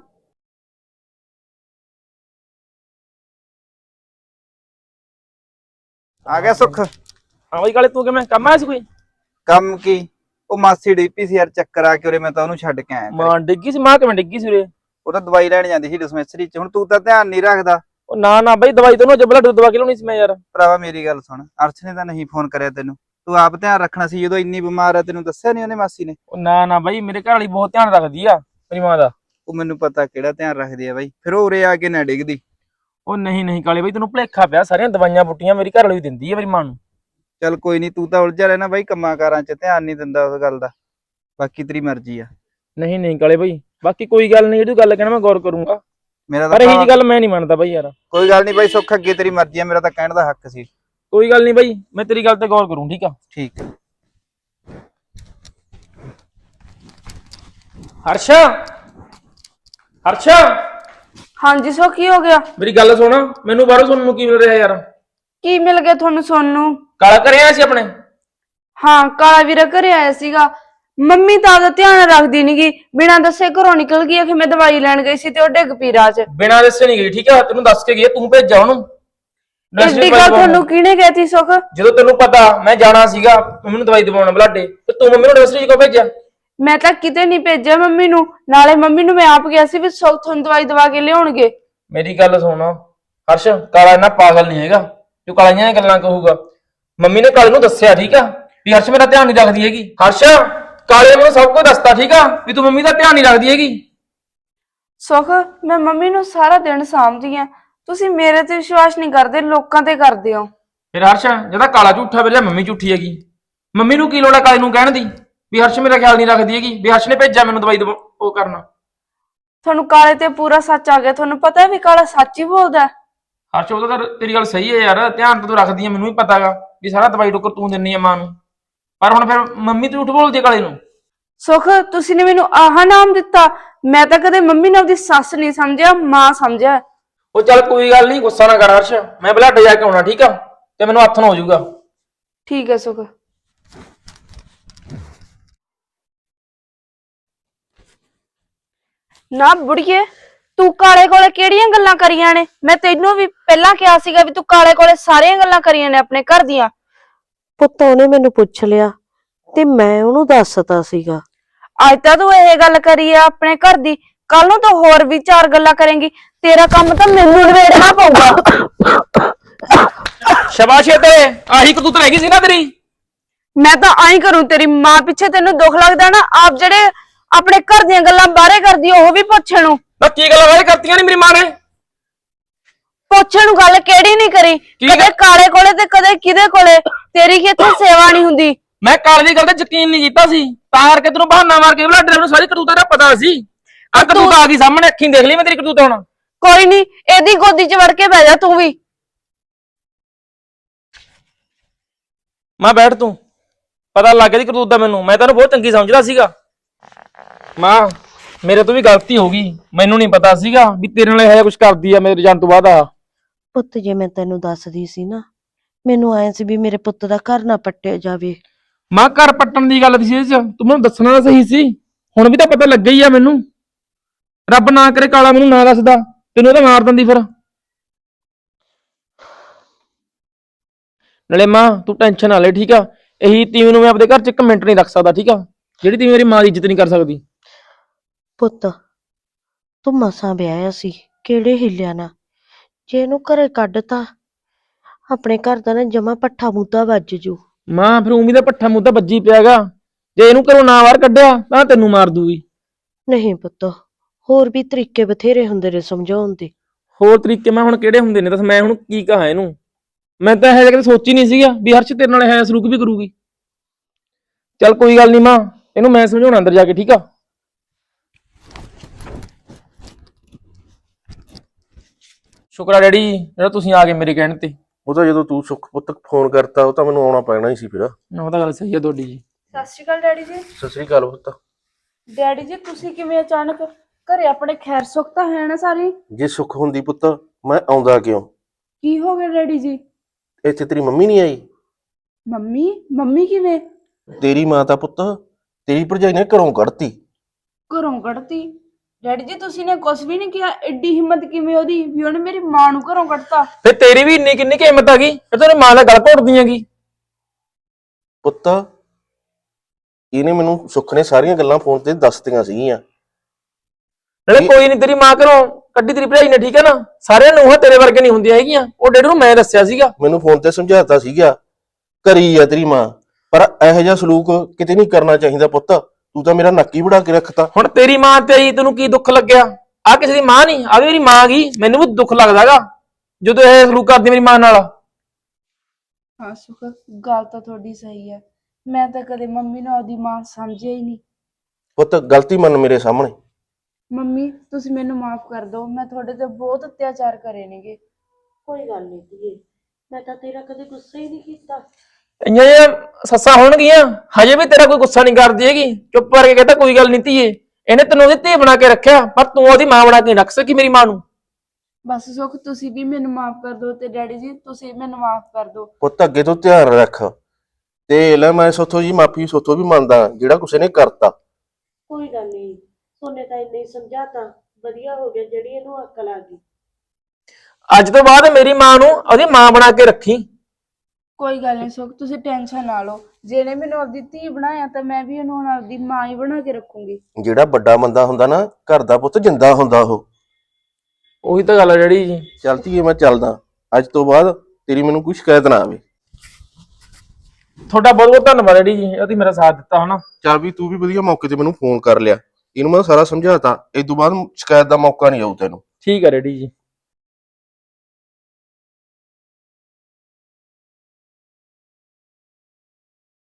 D: ਆ ਗਿਆ ਸੁੱਖ?
A: ਹਾਂ ਬਾਈ ਕਾਲੇ ਤੂੰ ਕਿਵੇਂ ਕੰਮ ਆਇਆ ਸੀ ਕੋਈ?
D: ਕੰਮ ਕੀ, ਉਹ ਮਾਸੀ ਡੀਪੀ ਸੀ ਯਾਰ ਚੱਕਰ ਆ ਕੇ ਉਰੇ, ਮੈਂ ਤਾਂ ਉਹਨੂੰ ਛੱਡ ਕੇ ਆਇਆ ਘਰੇ।
A: ਮਾਂ ਡਿੱਗੀ ਸੀ? ਮਾਂ ਕਿਵੇਂ ਡਿੱਗੀ ਸੀ ਉਰੇ?
D: ਉਹ ਤਾਂ ਦਵਾਈ ਲੈਣ ਜਾਂਦੀ ਸੀ ਡਿਸਪੈਂਸਰੀ ਚ। ਹੁਣ ਤੂੰ ਤਾਂ ਧਿਆਨ ਨਹੀਂ ਰੱਖਦਾ।
A: ਉਹ ਨਾ ਨਾ ਬਾਈ ਦਵਾਈ ਤੈਨੂੰ ਜਬਲਾ ਦਵਾ ਕੇ ਲਾਉਣੀ ਸੀ ਮੈਂ ਯਾਰ।
D: ਭਰਾਵਾ ਮੇਰੀ ਗੱਲ ਸੁਣ, ਅਰਸ਼ ਨੇ ਤਾਂ ਨਹੀਂ ਫੋਨ ਕਰਿਆ ਤੈਨੂੰ, ਤੂੰ ਆਪ ਧਿਆਨ ਰੱਖਣਾ ਸੀ। ਜਦੋਂ ਇੰਨੀ ਬਿਮਾਰ ਆ ਤੈਨੂੰ ਦੱਸਿਆ ਨਹੀਂ ਉਹਨੇ ਮਾਸੀ ਨੇ?
A: ਉਹ ਨਾ ਨਾ ਬਾਈ ਮੇਰੇ ਘਰ ਵਾਲੀ ਬਹੁਤ ਧਿਆਨ ਰੱਖਦੀ ਆ ਮੇਰੀ ਮਾਂ ਦਾ।
D: ਉਹ ਮੈਨੂੰ ਪਤਾ ਕਿਹੜਾ ਧਿਆਨ ਰੱਖਦੀ ਆ ਬਾਈ, ਫਿਰ ਉਹ ਉਰੇ ਆ ਕੇ ਨਾ ਡਿੱਗਦੀ।
A: ਉਹ ਨਹੀਂ ਨਹੀਂ ਕਾਲੇ ਬਾਈ ਤੈਨੂੰ ਭੁਲੇਖਾ ਪਿਆ, ਸਾਰੀਆਂ ਦਵਾਈਆਂ ਬੁੱਟੀਆਂ ਮੇਰੀ ਘਰ ਵਾਲੀ ਵੀ ਦਿੰਦੀ ਆ ਮੇਰੀ ਮਾਂ ਨੂੰ।
D: ਚੱਲ ਕੋਈ ਨਹੀਂ, ਤੂੰ ਤਾਂ ਉਲਝਿਆ ਰਹਿਣਾ ਬਾਈ ਕੰਮਾਂ ਕਾਰਾਂ ਚ, ਧਿਆਨ ਨਹੀਂ ਦਿੰਦਾ ਉਸ ਗੱਲ ਦਾ। ਬਾਕੀ ਤੇਰੀ ਮਰਜ਼ੀ ਆ।
A: ਨਹੀਂ ਨਹੀਂ ਕਾਲੇ ਬਾਈ ਬਾਕੀ ਕੋਈ ਗੱਲ ਨਹੀਂ, ਜਿਹੜੀ ਗੱਲ ਕਹਿਣਾ ਮੈਂ ਗੌਰ ਕਰੂੰਗਾ।
D: ਮੇਰਾ
A: ਪਰ ਇਹੀ
D: ਤਾਂ
A: ਜੀ ਗੱਲ ਮੈਂ ਨਹੀਂ ਮੰਨਦਾ ਬਾਈ ਯਾਰ।
D: ਕੋਈ ਗੱਲ ਨਹੀਂ ਬਾਈ ਸੁੱਖ, ਅੱਗੇ ਤੇਰੀ ਮਰਜ਼ੀ ਆ, ਮੇਰਾ ਤਾਂ ਕਹਿਣ ਦਾ ਹੱਕ ਸੀ।
A: ਕੋਈ ਗੱਲ ਨਹੀਂ ਬਾਈ, ਮੈਂ ਤੇਰੀ ਗੱਲ ਤੇ ਗੌਰ ਕਰੂੰ, ਠੀਕ ਆ?
D: ਠੀਕ ਹੈ।
A: ਹਰਸ਼ਾ ਹਰਸ਼ਾ
B: ਹਾਂਜੀ ਸੋ ਕੀ ਹੋ ਗਿਆ?
A: ਮੇਰੀ ਗੱਲ ਸੁਣ, ਮੈਨੂੰ ਬਾਹਰੋਂ ਸੁਣਨ ਨੂੰ ਕੀ ਮਿਲ ਰਿਹਾ ਯਾਰ?
B: ਕੀ ਮਿਲ ਗਿਆ ਤੁਹਾਨੂੰ ਸੁਣਨ ਨੂੰ?
A: ਕਾਲਾ ਘਰੇ ਆਇਆ ਸੀ ਆਪਣੇ?
B: ਹਾਂ ਕਾਲਾ ਵੀਰਾ ਘਰੇ ਆਇਆ ਸੀਗਾ। ਮੰਮੀ ਤਾਂ ਆਪਦਾ ਧਿਆਨ ਰੱਖਦੀ ਨੀਗੀ, ਬਿਨਾਂ ਦੱਸੇ ਘਰੋਂ ਨਿਕਲ ਗਈ ਕਿ ਮੈਂ ਦਵਾਈ ਲੈਣ ਗਈ ਸੀ ਤੇ ਉਹ ਡਿੱਗ ਪਈ ਰਾਹ 'ਚ।
A: ਬਿਨਾਂ ਦੱਸੇ ਨਹੀਂ ਗਈ, ਠੀਕ ਆ? ਤੈਨੂੰ ਦੱਸ ਕੇ ਗਈ, ਤੂੰ ਭੇਜਿਆ ਉਹਨੂੰ।
B: ਐਡੀ ਗੱਲ ਤੁਹਾਨੂੰ ਕਿਹਨੇ ਕਹਿਤੀ ਸੁੱਖ?
A: ਜਦੋਂ ਤੈਨੂੰ ਪਤਾ ਮੈਂ ਜਾਣਾ ਸੀਗਾ ਮੰਮੀ ਨੂੰ ਦਵਾਈ ਦਵਾਉਣ ਬਲਾਡੇ, ਤੇ ਤੂੰ ਮੰਮੀ ਨੂੰ ਨਰਸਰੀ 'ਚ ਕਿਉਂ ਭੇਜਿਆ?
B: ਮੈਂ ਤਾਂ ਕਿਤੇ ਨਹੀਂ ਭੇਜਿਆ ਮੰਮੀ ਨੂੰ, ਨਾਲੇ ਮੰਮੀ ਨੂੰ ਮੈਂ ਆਪ ਗਿਆ ਸੀ ਵੀ ਸੁੱਖ ਤੁਹਾਨੂੰ ਦਵਾਈ ਦਵਾ ਕੇ ਲਿਆਉਣਗੇ।
A: ਮੇਰੀ ਗੱਲ ਸੁਣ ਹਰਸ਼, ਕਾਲਾ ਇੰਨਾ ਪਾਗਲ ਨਹੀਂ ਹੈਗਾ ਜੋ ਕਾਲੀਆਂ ਦੀਆਂ ਗੱਲਾਂ ਕਹੂਗਾ। ਮੰਮੀ ਨੇ ਕਾਲੇ ਨੂੰ ਦੱਸਿਆ, ਠੀਕ ਆ, ਵੀ ਹਰਸ਼ ਮੇਰਾ ਧਿਆਨ ਨਹੀਂ ਰੱਖਦੀ ਹੈਗੀ। ਹਰਸ਼ ਕਾਲੇ ਨੂੰ ਸਭ ਕੁਝ ਦੱਸਤਾ, ਠੀਕ ਆ, ਵੀ ਤੂੰ ਮੰਮੀ ਦਾ ਧਿਆਨ ਨਹੀਂ ਰੱਖਦੀ ਹੈਗੀ।
B: ਸੁੱਖ ਮੈਂ ਮੰਮੀ ਨੂੰ ਸਾਰਾ ਦਿਨ ਸਾਂਭਦੀ ਆ, ਤੁਸੀਂ ਮੇਰੇ ਤੇ ਵਿਸ਼ਵਾਸ ਨਹੀਂ ਕਰਦੇ, ਲੋਕਾਂ ਤੇ ਕਰਦੇ ਹੋ।
A: ਫਿਰ ਹਰਸ਼ ਜਿਹਦਾ ਕਾਲਾ ਝੂਠਾ ਵੇਲੇ ਮੰਮੀ ਝੂਠੀ ਹੈਗੀ, ਮੰਮੀ ਨੂੰ ਕੀ ਲੋੜ ਹੈ ਕਾਲੇ ਨੂੰ ਕਹਿਣ ਦੀ? ਵੀ ਹਰਸ਼ ਮੇਰਾ ਖਿਆਲ ਨਹੀਂ ਰੱਖਦੀ ਹੈਗੀ, ਵੀ ਹਰਸ਼ ਨੇ ਭੇਜਿਆ ਮੈਨੂੰ ਦਵਾਈ ਉਹ ਕਰਨਾ।
B: ਤੁਹਾਨੂੰ ਕਾਲੇ ਤੇ ਪੂਰਾ ਸੱਚ ਆ ਗਿਆ, ਤੁਹਾਨੂੰ ਪਤਾ ਹੈ ਵੀ ਕਾਲਾ ਸੱਚ ਹੀ ਬੋਲਦਾ।
A: ਹਰਸ਼ ਉਹਦਾ ਤਾਂ ਤੇਰੀ ਗੱਲ ਸਹੀ ਹੈ ਯਾਰ, ਧਿਆਨ ਤਾਂ ਤੂੰ ਰੱਖਦੀ ਹੈ, ਮੈਨੂੰ ਵੀ ਪਤਾਗਾ ਵੀ ਸਾਰਾ ਦਵਾਈ ਟੋਕਰ ਤੂੰ ਦਿੰਨੀ ਆ ਮਾਂ ਨੂੰ, ਪਰ ਹੁਣ ਫਿਰ ਮੰਮੀ ਤੂੰ ਝੂਠ ਬੋਲਦੀ ਆ ਕਾਲੇ ਨੂੰ।
B: ਸੁਖ ਤੁਸੀਂ ਨੇ ਮੈਨੂੰ ਆਹ ਨਾਮ ਦਿੱਤਾ, ਮੈਂ ਤਾਂ ਕਦੇ ਮੰਮੀ ਨੂੰ ਆਪਦੀ ਸੱਸ ਨਹੀਂ ਸਮਝਿਆ, ਮਾਂ ਸਮਝਿਆ।
A: ਉਹ ਚੱਲ ਕੋਈ ਗੱਲ ਨਹੀਂ, ਗੁੱਸਾ ਨਾ ਕਰ ਹਰਸ਼, ਮੈਂ ਬਲੱਡੇ ਜਾ ਕੇ ਆਉਣਾ ਠੀਕ ਆ, ਤੇ ਮੈਨੂੰ ਹੱਥ ਨਾ ਹੋ ਜਾਊਗਾ।
B: ਠੀਕ ਹੈ ਸੁਖ। ਨਾ ਬੁੜੀਏ, ਤੂੰ ਕਾਲੇ ਕੋਲੇ ਕਿਹੜੀਆਂ ਗੱਲਾਂ ਕਰੀਆਂ ਨੇ? ਮੈਂ ਤੈਨੂੰ ਵੀ ਪਹਿਲਾਂ ਕਿਹਾ ਸੀਗਾ ਵੀ ਤੂੰ ਕਾਲੇ ਕੋਲੇ ਸਾਰੀਆਂ ਗੱਲਾਂ ਕਰੀਆਂ ਨੇ ਆਪਣੇ ਘਰ ਦੀਆਂ।
C: ਪੁੱਤ ਉਹਨੇ ਮੈਨੂੰ ਪੁੱਛ ਲਿਆ ਤੇ ਮੈਂ ਉਹਨੂੰ ਦੱਸਤਾ ਸੀਗਾ।
B: ਅੱਜ ਤਾਂ ਤੂੰ ਇਹ ਗੱਲ ਕਰੀ ਆ ਆਪਣੇ ਘਰ ਦੀ, ਕੱਲ ਨੂੰ ਤਾਂ ਹੋਰ ਵੀ 4 ਗੱਲਾਂ ਕਰੇਂਗੀ। ਤੇਰਾ ਕੰਮ ਤਾਂ ਮੈਨੂੰ ਨਿਬੇੜਨਾ ਪਊਗਾ।
A: ਸ਼ਾਬਾਸ਼ ਏ ਤੇਰੇ, ਆਹੀ ਕਤੂਤ ਰਹਿ ਗਈ ਸੀ ਨਾ ਤੇਰੀ।
B: ਮੈਂ ਤਾਂ ਆਈ ਕਰੂੰ, ਤੇਰੀ ਮਾਂ ਪਿੱਛੇ ਤੈਨੂੰ ਦੁੱਖ ਲੱਗਦਾ ਨਾ, ਆਪ ਜਿਹੜੇ ਆਪਣੇ ਘਰ ਦੀਆਂ ਗੱਲਾਂ ਬਾਹਰੇ ਕਰਦੀ ਉਹ ਵੀ ਪੁੱਛਣ ਨੂੰ।
A: ਨਾ ਕੀ ਗੱਲਾਂ ਵਾਲੇ ਕਰਤੀਆਂ ਨੇ ਮੇਰੀ ਮਾਂ ਨੇ?
B: ਪੁੱਛਣ ਨੂੰ ਗੱਲ ਕਿਹੜੀ ਨਹੀਂ ਕਰੀ, ਕਦੇ ਕਾਲੇ ਕੋਲੇ ਤੇ ਕਦੇ ਕਿਹਦੇ ਕੋਲੇ। ਤੇਰੀ ਕੀ ਇੱਥੇ ਸੇਵਾ ਨਹੀਂ ਹੁੰਦੀ?
A: ਮੈਂ ਕਾਲੇ ਦੀ ਗੱਲ ਤੇ ਯਕੀਨ ਨਹੀਂ ਕੀਤਾ ਸੀ, ਤਾਂ ਕਰਕੇ ਤੈਨੂੰ ਬਹਾਨਾ ਮਾਰ ਕੇ ਬਲੱਡੇ ਨੂੰ ਸਾਰੀ ਕਰਤੂਤਾਂ ਦਾ ਪਤਾ ਸੀ। ਆ ਕਰਤੂਤ ਆ ਗਈ ਸਾਹਮਣੇ, ਅੱਖੀਂ ਦੇਖ ਲਈ ਮੈਂ ਤੇਰੀ ਕਰਤੂਤ ਹੁਣ।
B: ਕੋਈ ਨਹੀਂ, ਇਹਦੀ ਗੋਦੀ 'ਚ ਵੜ ਕੇ ਬਹਿ ਜਾ ਤੂੰ ਵੀ।
A: ਮਾਂ ਬੈਠ ਤੂੰ, ਪਤਾ ਲੱਗ ਗਿਆ ਦੀ ਕਰਤੂਤ ਦਾ ਮੈਨੂੰ, ਮੈਂ ਤੈਨੂੰ ਬਹੁਤ ਚੰਗੀ ਸਮਝਦਾ ਸੀਗਾ। ਮਾਂ ਮੇਰੇ ਤੋਂ ਵੀ ਗਲਤੀ ਹੋ ਗਈ, ਮੈਨੂੰ ਨਹੀਂ ਪਤਾ ਸੀਗਾ ਵੀ ਤੇਰੇ ਨਾਲ ਇਹ ਕੁਝ ਕਰਦੀ ਆ ਮੇਰੇ ਜਾਣ ਤੋਂ ਬਾਅਦ। ਆ
C: ਪੁੱਤ ਜੇ ਮੈਂ ਤੈਨੂੰ ਦੱਸਦੀ ਸੀ ਨਾ, ਮੈਨੂੰ ਆਏ ਸੀ ਵੀ ਮੇਰੇ ਪੁੱਤ ਦਾ ਘਰ ਨਾ ਪੱਟਿਆ ਜਾਵੇ।
A: ਮਾਂ ਘਰ ਪੱਟਣ ਦੀ ਗੱਲ ਸੀ, ਤੂੰ ਮੈਨੂੰ ਦੱਸਣਾ ਤਾਂ ਸਹੀ ਸੀ, ਹੁਣ ਵੀ ਤਾਂ ਪਤਾ ਲੱਗਾ ਹੀ ਆ ਮੈਨੂੰ। ਰੱਬ ਨਾ ਕਰੇ ਕਾਲਾ ਮੈਨੂੰ ਨਾ ਦੱਸਦਾ, ਤੈਨੂੰ ਤਾਂ ਮਾਰ ਦਿੰਦੀ ਫਿਰ। ਨਾਲੇ ਮਾਂ ਤੂੰ ਟੈਨਸ਼ਨ ਨਾ ਲੈ ਠੀਕ ਆ, ਇਹੀ ਤੀਵੀਂ ਨੂੰ ਮੈਂ ਆਪਣੇ ਘਰ 'ਚ 1 ਮਿੰਟ ਨਹੀਂ ਰੱਖ ਸਕਦਾ ਠੀਕ ਆ, ਜਿਹੜੀ ਤੀਵੀਂ ਮੇਰੀ ਮਾਂ ਦੀ ਇੱਜ਼ਤ ਨਹੀਂ ਕਰ ਸਕਦੀ।
C: ਪੁੱਤ ਤੂੰ ਮਸਾਂ ਵਿਆਹਿਆ ਸੀ, ਕਿਹੜੇ ਹਿੱਲਿਆ ਨਾ, ਜੇ ਇਹਨੂੰ ਘਰੇ ਕੱਢਤਾ ਆਪਣੇ ਘਰ ਦਾ ਨਾ ਜਮਾ ਪੱਠਾ ਮੁੱਦਾ ਵੱਜ ਜੂ।
A: ਮਾਂ ਫਿਰ ਉਮੀ ਦਾ ਪੱਠਾ ਮੁੱਦਾ ਵੱਜੀ ਪਿਆਗਾ, ਜੇ ਇਹਨੂੰ ਘਰੋਂ ਨਾ ਬਾਹਰ ਕੱਢਿਆ ਤਾਂ ਤੈਨੂੰ ਮਾਰ ਦੂਗੀ।
C: ਨਹੀਂ ਪੁੱਤ, ਹੋਰ ਵੀ ਤਰੀਕੇ ਬਥੇਰੇ ਹੁੰਦੇ ਨੇ ਸਮਝਾਉਣ ਦੇ।
A: ਹੋਰ ਤਰੀਕੇ ਮੈਂ ਹੁਣ ਕਿਹੜੇ ਹੁੰਦੇ ਨੇ ਦੱਸ, ਮੈਂ ਹੁਣ ਕੀ ਕਹਾਂ ਇਹਨੂੰ? ਮੈਂ ਤਾਂ ਇਹ ਕਦੇ ਸੋਚੀ ਨਹੀਂ ਸੀਗਾ ਵੀ ਹਰਸ਼ ਤੇਰੇ ਨਾਲ ਇਹ ਸਲੂਕ ਵੀ ਕਰੂਗੀ। ਚੱਲ ਕੋਈ ਗੱਲ ਨਹੀਂ ਮਾਂ, ਇਹਨੂੰ ਮੈਂ ਸਮਝਾਉਣਾ ਅੰਦਰ ਜਾ ਕੇ ਠੀਕ ਆ। ਸ਼ੁਕਰ ਆ ਡੈਡੀ ਜਿਹੜਾ ਤੁਸੀਂ ਆ ਗਏ ਮੇਰੇ ਕਹਿਣ ਤੇ।
E: ਉਹ ਤਾਂ ਜਦੋਂ ਤੂੰ ਸੁੱਖ ਪੁੱਤ ਫੋਨ ਕਰਤਾ ਉਹ ਤਾਂ ਮੈਨੂੰ ਆਉਣਾ ਪੈਣਾ ਹੀ ਸੀ ਫਿਰ।
A: ਉਹ ਤਾਂ ਗੱਲ ਸਹੀ ਹੈ ਤੁਹਾਡੀ ਜੀ।
B: ਸਤਿ ਸ਼੍ਰੀ ਅਕਾਲ ਡੈਡੀ ਜੀ।
E: ਸਤਿ ਸ੍ਰੀ ਅਕਾਲ ਪੁੱਤ।
B: ਡੈਡੀ ਜੀ ਤੁਸੀਂ ਕਿਵੇਂ ਅਚਾਨਕ ਘਰੇ? ਆਪਣੇ ਖੈਰ ਸੁੱਖ ਤਾਂ ਹੈ ਨਾ ਸਾਰੀ?
E: ਜੇ ਸੁੱਖ ਹੁੰਦੀ ਪੁੱਤ ਮੈਂ ਆਉਂਦਾ ਕਿਉਂ?
B: ਕੀ ਹੋ ਗਿਆ ਡੈਡੀ ਜੀ?
E: ਇੱਥੇ ਤੇਰੀ ਮੰਮੀ ਨਹੀਂ ਆਈ?
B: ਮੰਮੀ? ਮੰਮੀ ਕਿਵੇਂ?
E: ਤੇਰੀ ਮਾਂ ਤਾਂ ਪੁੱਤ ਤੇਰੀ ਭਰਜਾਈ ਨੇ ਘਰੋਂ ਕੱਢਤੀ।
B: ਘਰੋਂ ਕੱਢਤੀ? ਡੈਡੀ ਜੀ ਤੁਸੀਂ ਨੇ ਕੁਝ ਵੀ ਨਹੀਂ ਕਿਹਾ, ਐਡੀ ਹਿੰਮਤ ਕਿਵੇਂ ਉਹਦੀ ਵੀ ਉਹਨੇ ਮੇਰੀ ਮਾਂ ਨੂੰ ਘਰੋਂ ਕੱਢਤਾ?
A: ਫਿਰ ਤੇਰੀ ਵੀ ਇੰਨੀ ਕਿੰਨੀ ਕਿ ਹਿੰਮਤ ਆ ਗਈ ਫਿਰ ਤੇਰੀ ਮਾਂ ਦਾ ਗਲ ਘੋਟਦੀ ਹੈਗੀ?
E: ਪੁੱਤ ਇਹਨੇ ਮੈਨੂੰ ਸੁੱਖ ਨੇ ਸਾਰੀਆਂ ਗੱਲਾਂ ਫੋਨ ਤੇ ਦੱਸਤੀਆਂ ਸੀਗੀਆਂ।
A: ਨਾਲੇ ਕੋਈ ਨਹੀਂ, ਤੇਰੀ ਮਾਂ ਘਰੋਂ ਕੱਢੀ ਤੇਰੀ ਭਰਾਈ ਨੇ ਠੀਕ ਹੈ ਨਾ, ਸਾਰਿਆਂ ਨੂੰ ਤੇਰੇ ਵਰਗੇ ਨਹੀਂ ਹੁੰਦੀਆਂ ਹੈਗੀਆਂ, ਉਹ ਡੈਡੀ ਨੂੰ ਮੈਂ ਦੱਸਿਆ ਸੀਗਾ।
E: ਮੈਨੂੰ ਫੋਨ ਤੇ ਸਮਝਾਤਾ ਸੀਗਾ ਕਰੀ ਆ ਤੇਰੀ ਮਾਂ, ਪਰ ਇਹੋ ਜਿਹਾ ਸਲੂਕ ਕਿਤੇ ਨਹੀਂ ਕਰਨਾ ਚਾਹੀਦਾ ਪੁੱਤ। ਤੂੰ ਤਾਂ ਮੇਰਾ ਨੱਕੀ ਵੜਾ ਕੇ ਰੱਖਤਾ।
A: ਹੁਣ ਤੇਰੀ ਮਾਂ ਤੇ ਆਈ ਤੈਨੂੰ ਕੀ ਦੁੱਖ ਲੱਗਿਆ? ਆ ਕਿਸੇ ਦੀ ਮਾਂ ਨਹੀਂ, ਆ ਵੀ ਮੇਰੀ ਮਾਂ ਗਈ, ਮੈਨੂੰ ਵੀ ਦੁੱਖ ਲੱਗਦਾਗਾ ਜਦੋਂ ਇਹ ਸਲੂਕ ਕਰਦੀ ਮੇਰੀ ਮਾਂ ਨਾਲ।
B: ਹਾਂ ਸੁਖ, ਗੱਲ ਤਾਂ ਤੁਹਾਡੀ ਸਹੀ ਹੈ, ਮੈਂ ਤਾਂ ਕਦੇ ਮੰਮੀ ਨੂੰ ਆਪਦੀ ਮਾਂ ਸਮਝਿਆ ਹੀ ਨਹੀਂ।
E: ਪੁੱਤ ਗਲਤੀ ਮੰਨ ਮੇਰੇ ਸਾਹਮਣੇ।
B: ਮੰਮੀ ਤੁਸੀਂ ਮੈਨੂੰ ਮਾਫ ਕਰ ਦਿਓ, ਮੈਂ ਤੁਹਾਡੇ ਤੇ ਬਹੁਤ ਅਤਿਆਚਾਰ ਕਰੇ ਨੇਗੇ।
C: ਕੋਈ ਗੱਲ ਨਹੀਂ ਧੀਏ, ਮੈਂ ਤਾਂ ਤੇਰਾ ਕਦੇ ਗੁੱਸਾ ਹੀ ਨਹੀਂ ਕੀਤਾ।
A: ਇੰਨੀਆਂ ਜਿਹੀਆਂ ਸੱਸਾਂ ਹੋਣਗੀਆਂ ਹਜੇ ਵੀ ਤੇਰਾ ਕੋਈ ਗੁੱਸਾ ਨਹੀਂ ਕਰਦੀ ਹੈਗੀ, ਚੁੱਪ ਕਰਕੇ ਕਹਿੰਦਾ ਕੋਈ ਗੱਲ ਨਹੀਂ ਧੀਏ, ਇਹਨੇ ਤੈਨੂੰ ਉਹਦੀ ਧੀ ਬਣਾ ਕੇ ਰੱਖਿਆ ਪਰ ਤੂੰ ਉਹਦੀ ਮਾਂ ਬਣਾ ਕੇ ਰੱਖ ਸਕੀ ਮੇਰੀ ਮਾਂ ਨੂੰ।
B: ਬਸ ਸੁਖ ਤੁਸੀਂ ਵੀ ਮੈਨੂੰ ਮਾਫ ਕਰ ਦਿਓ, ਤੇ ਡੈਡੀ ਜੀ ਤੁਸੀਂ ਮੈਨੂੰ ਮਾਫ ਕਰ ਦਿਓ।
E: ਪੁੱਤ ਅੱਗੇ ਤੋਂ ਧਿਆਨ ਰੱਖ ਤੇ ਲੈ, ਮੈਂ ਸੋਥੋਂ ਜੀ ਮਾਫੀ ਸੋਥੋਂ ਵੀ ਮੰਨਦਾ ਜਿਹੜਾ ਕੁਛ ਇਹਨੇ ਕਰਤਾ।
C: ਕੋਈ ਗੱਲ ਨਹੀਂ, ਸੋਨੇ ਤਾਂ ਇੰਨੇ ਸਮਝਾਤਾ, ਵਧੀਆ ਹੋ ਗਿਆ ਜਿਹੜੀ ਇਹਨੂੰ ਅਕਲ ਆ ਗਈ।
A: ਅੱਜ ਤੋਂ ਬਾਅਦ ਮੇਰੀ ਮਾਂ ਨੂੰ ਉਹਦੀ ਮਾਂ ਬਣਾ ਕੇ ਰੱਖੀ।
B: ਕੋਈ ਗੱਲ ਨਹੀਂ ਸੁਖ, ਤੁਸੀਂ ਟੈਨਸ਼ਨ ਨਾ ਲਓ, ਜਿਹਨੇ ਮੈਨੂੰ ਆਪਦੀ ਧੀ ਬਣਾਇਆ ਤਾਂ ਮੈਂ ਵੀ ਉਹਨੂੰ ਹੁਣ ਆਪਦੀ ਮਾਂ ਹੀ ਬਣਾ ਕੇ ਰੱਖੂੰਗੀ।
E: ਜਿਹੜਾ ਵੱਡਾ ਬੰਦਾ ਹੁੰਦਾ ਨਾ ਘਰ ਦਾ ਪੁੱਤ ਜਿੰਦਾ ਹੁੰਦਾ ਉਹ।
A: ਉਹੀ ਤਾਂ ਗੱਲ ਹੈ ਡੈਡੀ ਜੀ।
E: ਚਲਤੀ ਮੈਂ ਚੱਲਦਾ, ਅੱਜ ਤੋਂ ਬਾਅਦ ਤੇਰੀ ਮੈਨੂੰ ਕੋਈ ਸ਼ਿਕਾਇਤ ਨਾ ਆਵੇ।
A: ਤੁਹਾਡਾ ਬਹੁਤ ਬਹੁਤ ਧੰਨਵਾਦ ਡੈਡੀ ਜੀ, ਉਹਦੀ ਮੇਰਾ ਸਾਥ ਦਿੱਤਾ ਹਨਾ।
E: ਚੱਲ ਵੀ ਤੂੰ ਵੀ ਵਧੀਆ ਮੌਕੇ ਤੇ ਮੈਨੂੰ ਫੋਨ ਕਰ ਲਿਆ, ਇਹਨੂੰ ਮੈਂ ਸਾਰਾ ਸਮਝਾਤਾ, ਇਸ ਤੋਂ ਬਾਅਦ ਸ਼ਿਕਾਇਤ ਦਾ ਮੌਕਾ ਨਹੀਂ ਆਊ ਤੈਨੂੰ।
A: ਠੀਕ ਹੈ ਡੈਡੀ ਜੀ।